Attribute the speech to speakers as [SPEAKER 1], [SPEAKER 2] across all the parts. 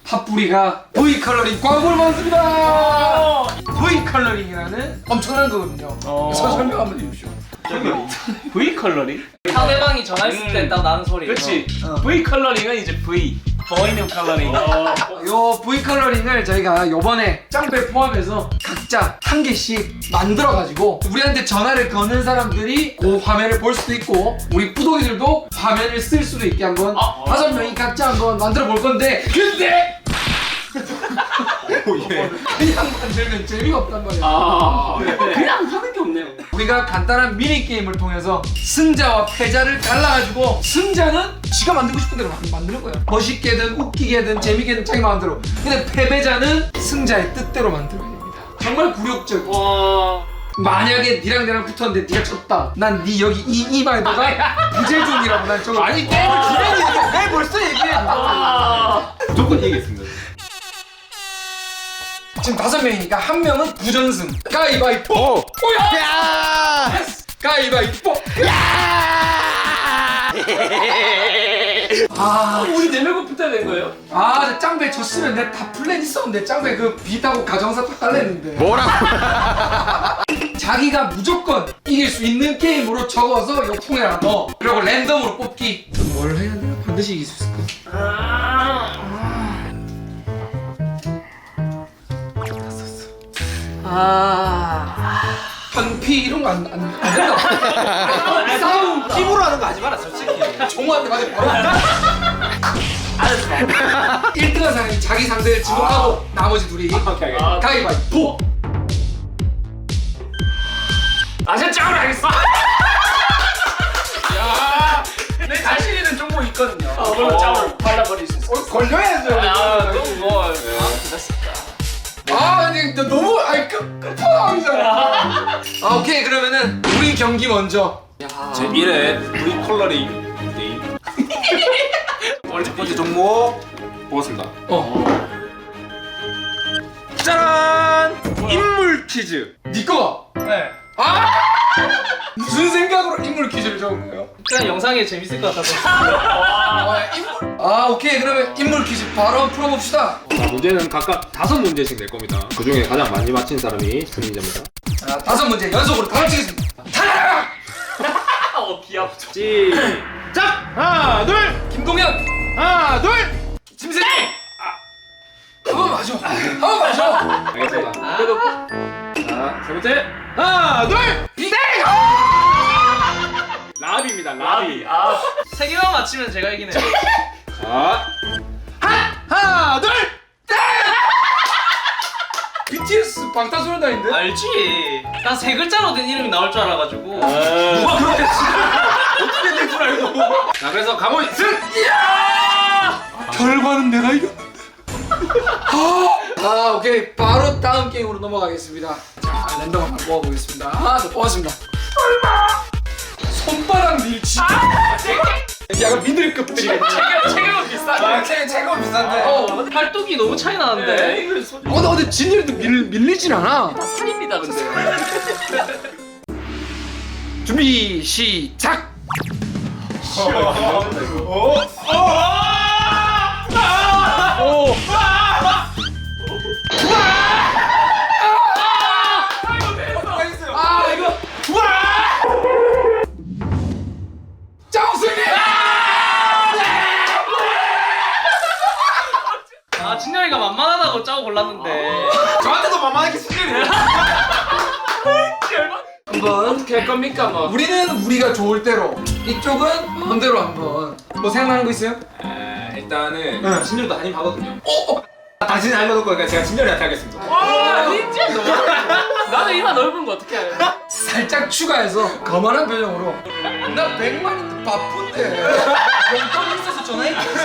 [SPEAKER 1] 팥뿌리가 V 컬러링 광고를 받았습니다. V 컬러링이라는 엄청난 거거든요. 그래서 설명 한번 해주십시오.
[SPEAKER 2] V 컬러링?
[SPEAKER 3] 상대방이 전화했을 때 딱 나는 소리.
[SPEAKER 2] 그렇지. V 컬러링은 이제 V 보이는 컬러링.
[SPEAKER 1] 요 V 컬러링을 저희가 요번에 짱배 포함해서 각자 한 개씩 만들어가지고 우리한테 전화를 거는 사람들이 그 화면을 볼 수도 있고 우리 뿌독이들도 화면을 쓸 수도 있게 한번 5명이 각자 한번 만들어 볼 건데 근데 그냥 만들면 재미가 없단 말이야.
[SPEAKER 2] 그냥 하는 게 없네요.
[SPEAKER 1] 우리가 간단한 미니게임을 통해서 승자와 패자를 갈라가지고 승자는 지가 만들고 싶은 대로 만드는 거야. 멋있게든 웃기게든 재미게든 자기 마음대로. 근데 패배자는 승자의 뜻대로 만들어야 됩니다. 정말 굴욕적.
[SPEAKER 2] 와.
[SPEAKER 1] 만약에 니랑 나랑 붙었는데 니가 졌다. 난 니 여기 이마에다가 부재중이라고 난 저거. 아니 게임을 기대는 얘기해. 왜 벌써 얘기해?
[SPEAKER 2] 무조건 이기겠습니다.
[SPEAKER 1] 지금 5명이니까 한 명은 부전승. 가위바위보. 오야.
[SPEAKER 4] 야!
[SPEAKER 1] 가위바위보.
[SPEAKER 2] 우리 4명 붙어야 되는 거예요?
[SPEAKER 1] 아, 짱배 졌으면 내 다 플랜 있었는데 짱배 그 비타고 가정사 딱 깔랬는데.
[SPEAKER 4] 뭐라고?
[SPEAKER 1] 자기가 무조건 이길 수 있는 게임으로 적어서 요 통에 하나 넣어. 그리고 랜덤으로 뽑기. 뭘 해야 내가 반드시 이길 수 있을까? 현피 이런 거 안 된다. 싸움
[SPEAKER 2] 힘으로 하는 거 하지 마라 솔직히.
[SPEAKER 1] 종호한테 맞아 바로. 알았어. 1등한 사람이 자기 상대를 지목하고 나머지 둘이
[SPEAKER 2] 오케이.
[SPEAKER 1] 가위바위보.
[SPEAKER 2] 아저 짱을 하겠어. 야, 내 자신 있는 정보 있거든요. 그럼 짱을 발라버릴 수 있어.
[SPEAKER 1] 걸려야죠.
[SPEAKER 2] 그럼 뭐.
[SPEAKER 1] 근데 너무 끝판왕이잖아. 오케이 그러면은 우리 경기 먼저.
[SPEAKER 2] 제 1회 V 컬러링 게임. 첫 번째 종목 보겠습니다. 짜란! 인물 퀴즈.
[SPEAKER 1] 네 거가.
[SPEAKER 3] 네.
[SPEAKER 1] 무슨 생각으로 인물 퀴즈를 적은 거예요?
[SPEAKER 3] 그냥 영상이 재밌을 것 같아서.
[SPEAKER 1] 인물. 오케이 그러면 인물 퀴즈 바로 풀어봅시다.
[SPEAKER 5] 자, 문제는 각각 5문제씩 낼 겁니다. 그 중에 가장 많이 맞힌 사람이 승리자입니다.
[SPEAKER 1] 자 5문제 연속으로 다 맞히겠습니다. 타라!
[SPEAKER 3] 귀엽죠.
[SPEAKER 5] 시작! 하나, 둘!
[SPEAKER 1] 김동현.
[SPEAKER 5] 하나, 둘!
[SPEAKER 1] 김세정. 한번 맞아. 한번 맞아.
[SPEAKER 5] 알겠습니다. 자, 세 번째!
[SPEAKER 2] 하나, 둘!
[SPEAKER 1] 비대.
[SPEAKER 5] 라비입니다, 라비.
[SPEAKER 3] 세 개만 맞히면 제가 이기네요.
[SPEAKER 5] 자,
[SPEAKER 1] 하나 둘. BTS 방탄소년단인데?
[SPEAKER 3] 알지. 난 세 글자로 된 이름이 나올 줄 알아가지고.
[SPEAKER 2] 누가 그렇게 어떻게 될 줄 알고.
[SPEAKER 5] 자, 그래서 강호이 승!
[SPEAKER 1] 결과는 내가 이겼는데. 오케이 바로 다음 게임으로 넘어가겠습니다. 자 랜덤 한번 모아보겠습니다. 자 뽑았습니다. 손바닥 밀치. 약간 미들급들이.
[SPEAKER 3] 체격은 비싸.
[SPEAKER 1] 체감 비싼데.
[SPEAKER 3] 팔뚝이 너무 차이 나는데.
[SPEAKER 1] 근데 진열이도 밀리진 않아.
[SPEAKER 3] 살입니다 근데.
[SPEAKER 1] 준비 시작. 이거 짜오승리.
[SPEAKER 3] 진열이가 만만하다고 짜고 골랐는데.
[SPEAKER 2] 저한테도 만만하게 승리를.
[SPEAKER 1] 한번
[SPEAKER 2] 어떻게 할 겁니까 뭐?
[SPEAKER 1] 우리는 우리가 좋을 대로 이쪽은 마음대로 한번 뭐 생각나는 거 있어요?
[SPEAKER 2] 일단은
[SPEAKER 1] 네.
[SPEAKER 2] 진열도 한입 하거든요. 당신이 알려놓을 거니까 제가 진열이한테 하겠습니다.
[SPEAKER 3] 와 진짜 나는 이마 넓은 거 어떻게 해?
[SPEAKER 1] 살짝 추가해서 거만한 표정으로 나 100만인데 바쁜데 용돈이 있어서 전화했겠지.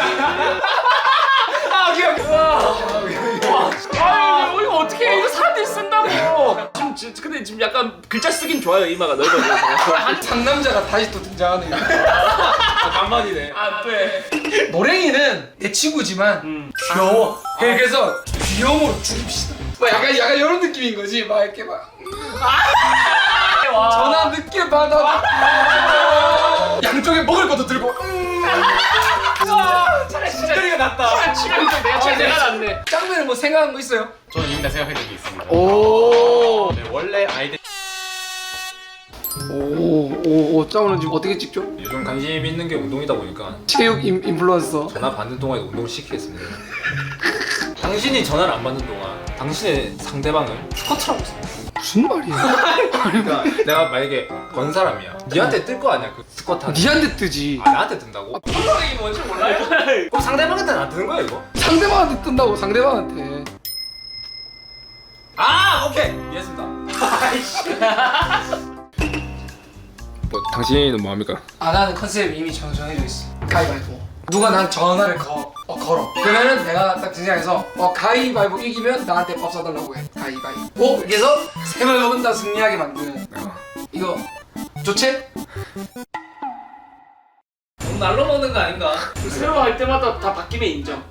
[SPEAKER 2] 아 이거 어떻게 해? 이거 사람들이 쓴다고. 근데 지금 약간 글자 쓰긴 좋아요. 이마가 넓어져서.
[SPEAKER 1] 상남자가 다시 또 등장하네.
[SPEAKER 2] 간만이네.
[SPEAKER 3] 안 돼.
[SPEAKER 1] 노랭이는 내 친구지만 귀여워. 그래서 귀여움으로 죽입시다. 뭐 약간 이런 느낌인 거지. 막 이렇게 막 전화 늦게 받아. 양쪽에 먹을 것도 들고.
[SPEAKER 3] 차라리 진짜
[SPEAKER 5] 낫다.
[SPEAKER 3] 치명적 내가 낫네.
[SPEAKER 1] 짱배는 뭐 생각한 거 있어요?
[SPEAKER 4] 저는 이미 다 생각한 적이 있습니다.
[SPEAKER 1] 오.
[SPEAKER 4] 네, 원래 아이들
[SPEAKER 1] 오, 짱은 지금 어떻게 찍죠?
[SPEAKER 5] 요즘 관심 있는 게 운동이다 보니까
[SPEAKER 1] 체육 인플루언서.
[SPEAKER 5] 전화 받는 동안에 운동을 시키겠습니다. 당신이 전화를 안 받는 동안 당신의 상대방을 스쿼트라고 했어.
[SPEAKER 1] 무슨 말이야?
[SPEAKER 5] 그러니까 내가 만약에 건 사람이야. 니한테 뜰 거 아니야 그 스쿼트 하는.
[SPEAKER 1] 니한테 뜨지.
[SPEAKER 5] 아 나한테 뜬다고?
[SPEAKER 3] 콜러링이 뭔지 몰라요?
[SPEAKER 5] 그럼 상대방한테는 안 뜨는 거야 이거?
[SPEAKER 1] 상대방한테 뜬다고 상대방한테.
[SPEAKER 5] 아 오케이 이해했습니다. 뭐 당신은 뭐합니까?
[SPEAKER 1] 아 나는 컨셉 이미 정해져 있어. 가위바위보. 누가 난 전화를 걸어. 그러면은 내가 딱 등장해서 가위바위보 이기면 나한테 밥 사달라고 해. 가위바위보. 이렇게 해서 세 번 먹은 다 승리하게 만드는. 이거 좋지?
[SPEAKER 3] 너무 날로 먹는 거 아닌가? 새로 할 때마다 다 바뀌면 인정.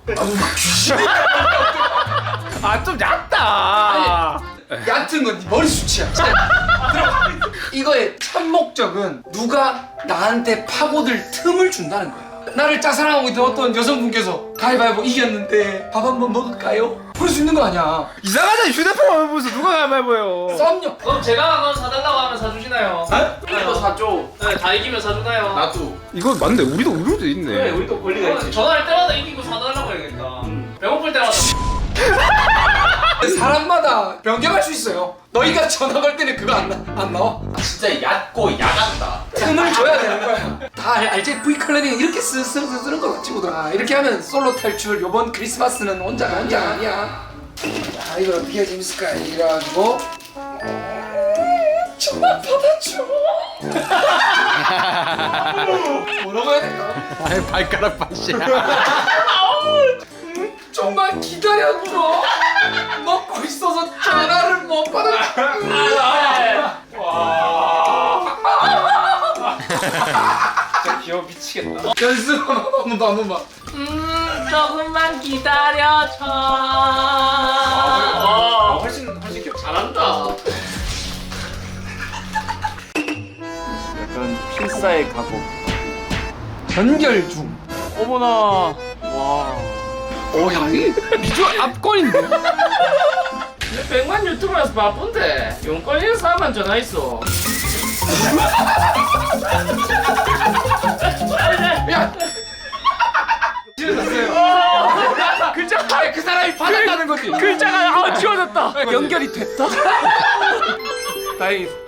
[SPEAKER 5] 아 좀 얕다.
[SPEAKER 1] 얕은 건 네 머리 수치야. 들어봐. 이거의 첫 목적은 누가 나한테 파고들 틈을 준다는 거야. 나를 짝사랑하고 있던 어떤 여성분께서 가위바위보 이겼는데 밥 한번 먹을까요? 그럴 수 있는 거 아니야.
[SPEAKER 5] 이상하잖아. 휴대폰 안 보면서 누가 가위바위보요.
[SPEAKER 1] 썸녀.
[SPEAKER 3] 그럼 제가 그거 사달라고 하면 사주시나요? 우리도 사줘. 네, 다 이기면 사주나요?
[SPEAKER 4] 나도
[SPEAKER 5] 이거 맞네. 우리도 있네.
[SPEAKER 3] 그래, 우리도 권리가 있지. 전화할 때마다 이기고 사달라고 해야겠다. 배고플 때마다.
[SPEAKER 1] 사람마다 변경할 수 있어요. 너희가 전화 걸 때는 그거 안 나와?
[SPEAKER 4] 진짜 얕고 야같다.
[SPEAKER 1] 틈을 줘야 되는 거야. 다 알지? V컬러링 이렇게 쓰는 거야 친구들아. 이렇게 하면 솔로 탈출. 요번 크리스마스는 혼자 아니야. 자 이걸 어떻게 해야 재밌을까? 이래가지고 전화 받아줘. 뭐라고 해야 될까?
[SPEAKER 5] 아니 발가락 맛이야.
[SPEAKER 1] 좀만 기다려줘. 먹고 있어서 전화를 못 받아.
[SPEAKER 5] 진짜 귀여워 미치겠다.
[SPEAKER 1] 연습 한 번만.
[SPEAKER 3] 조금만 기다려줘.
[SPEAKER 5] 훨씬 귀여워.
[SPEAKER 3] 잘한다. 약간 필사의 각오.
[SPEAKER 1] 연결 중.
[SPEAKER 3] 어머나. 와.
[SPEAKER 1] 야 이게 비주얼 압권인데.
[SPEAKER 3] 100만 유튜버라서 바쁜데 용건 있는 사람만 전화했어.
[SPEAKER 1] 야. 지워졌어요.
[SPEAKER 3] 글자가
[SPEAKER 1] 아니 그 사람이 받았다는 거지.
[SPEAKER 3] 글자가 지워졌다.
[SPEAKER 1] 연결이 됐다. 다행이다.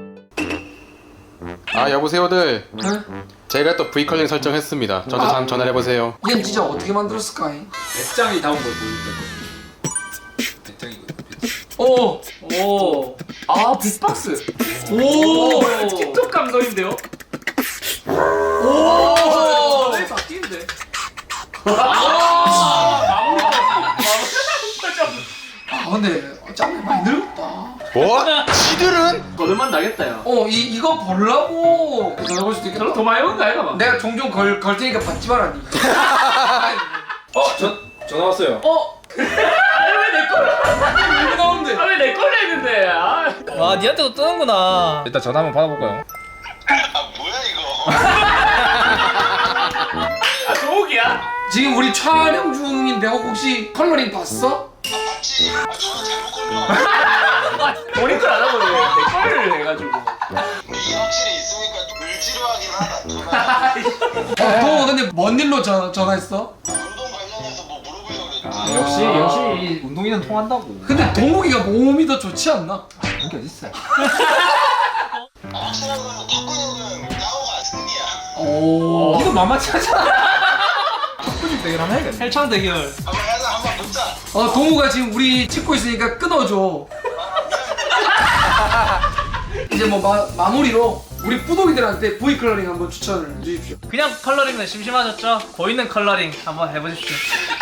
[SPEAKER 4] 아 여보세요들.
[SPEAKER 1] 응?
[SPEAKER 4] 제가 또 V컬링 설정했습니다. 저한테 한번 전화를 해보세요.
[SPEAKER 1] 이건 진짜 어떻게 만들었을까?
[SPEAKER 5] 배짱이 다운 걸 보여준다. 배짱이거든.
[SPEAKER 1] 오.
[SPEAKER 3] 오. 아 빅박스.
[SPEAKER 1] 오.
[SPEAKER 3] 틱톡 감성인데요?
[SPEAKER 1] 오.
[SPEAKER 3] 왜 바뀌는데?
[SPEAKER 1] 근데 짱이 많이 늙었다.
[SPEAKER 4] 뭐? 지들은?
[SPEAKER 3] 거들만 나겠다 야.
[SPEAKER 1] 이거 보려고 전화볼 수도 있겠다.
[SPEAKER 3] 저로 더 많이 온거 아이가 봐.
[SPEAKER 1] 내가 종종 걸 테니까 받지 마라 니.
[SPEAKER 5] 전화 왔어요.
[SPEAKER 3] 왜내 거를?
[SPEAKER 1] 이거 나오는데.
[SPEAKER 3] 왜내 거를 했는데? 아.
[SPEAKER 6] 와 니한테도 뜨는구나.
[SPEAKER 5] 일단 전화 한번 받아볼까요?
[SPEAKER 3] 아 조옥이야?
[SPEAKER 1] 지금 우리 촬영 중인데 혹시 컬러링 봤어?
[SPEAKER 3] 모니터 안 하고 내 거를 해가지고.
[SPEAKER 7] 이게 확실히 있으니까 좀 을지로하긴 하다.
[SPEAKER 1] 동호 근데 뭔 일로 전화했어?
[SPEAKER 7] 운동 관련해서 뭐 물어보려고 그랬지.
[SPEAKER 5] 역시 운동이는 통한다고.
[SPEAKER 1] 근데 동욱이가 몸이 더 좋지 않나?
[SPEAKER 5] 그게 어딨어?
[SPEAKER 7] 확실한 거는 탁구는 짜오가 승리야.
[SPEAKER 1] 오.
[SPEAKER 5] 이거 만만치 않잖아. 탁구집 대결 한번 해야겠네.
[SPEAKER 6] 헬창 대결.
[SPEAKER 7] 한번 해서 한번 붙자.
[SPEAKER 1] 동우가 지금 우리 찍고 있으니까 끊어줘. 이제 뭐 마무리로 우리 뿌독이들한테 V 컬러링 한번 추천을 해주십시오.
[SPEAKER 6] 그냥 컬러링은 심심하셨죠? 보이는 컬러링 한번 해보십시오.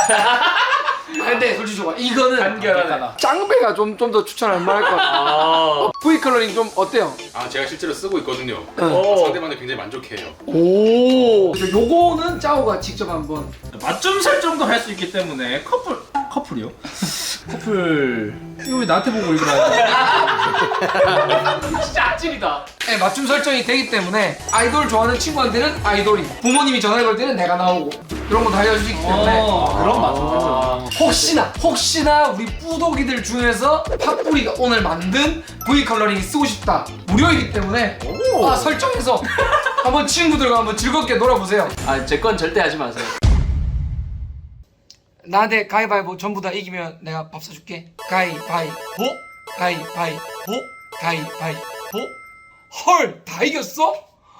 [SPEAKER 1] 근데 솔직히 좋아. 이거는
[SPEAKER 3] 간결하네.
[SPEAKER 1] 짱배가 좀 더 추천할 만할 것 같아. V 컬러링 좀 어때요?
[SPEAKER 4] 아 제가 실제로 쓰고 있거든요.
[SPEAKER 3] 오.
[SPEAKER 4] 상대방들 굉장히 만족해요.
[SPEAKER 1] 오. 그래서 요거는 짜오가 직접 한번.
[SPEAKER 6] 맞춤 설정도 할 수 있기 때문에 커플이요? 커플 이거 왜 나한테 보고 읽으라?
[SPEAKER 3] 진짜 아찔이다.
[SPEAKER 1] 네, 맞춤 설정이 되기 때문에 아이돌 좋아하는 친구한테는 아이돌이, 부모님이 전화를 걸 때는 내가 나오고. 이런 거 다 알려주시기 때문에
[SPEAKER 2] 그런 맛은
[SPEAKER 1] 혹시나 우리 뿌독이들 중에서 팥뿌리가 오늘 만든 V 컬러링이 쓰고 싶다 무료이기 때문에 설정해서 한번 친구들과 한번 즐겁게 놀아보세요.
[SPEAKER 2] 아제 건 절대 하지 마세요.
[SPEAKER 1] 나한테 가위바위보 전부 다 이기면 내가 밥 사줄게. 가위바위보 가위바위보. 헐, 다 이겼어?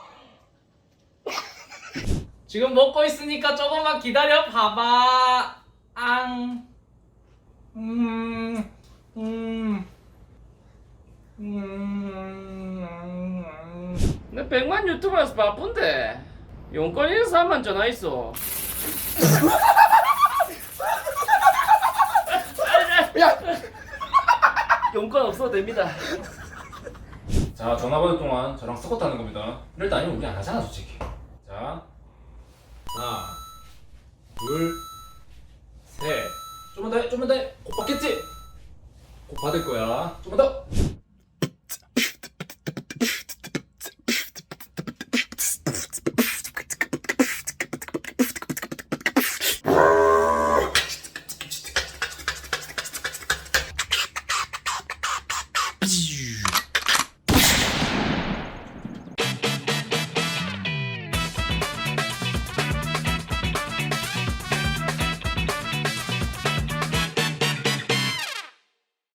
[SPEAKER 3] 지금 먹고 있으니까 조금만 기다려 봐봐. 앙. 내 100만 유튜버여서 바쁜데 용건 인사만 전화 있어.
[SPEAKER 1] 야,
[SPEAKER 3] 용건 없어도 됩니다.
[SPEAKER 5] 자, 전화 받을 동안 저랑 섞었다는 겁니다. 이럴 때 아니면 우리 안 하잖아, 솔직히. 자, 하나, 둘, 셋. 좀만 더 해, 좀만 더 해. 곧 받겠지? 곧 받을 거야. 좀만 더.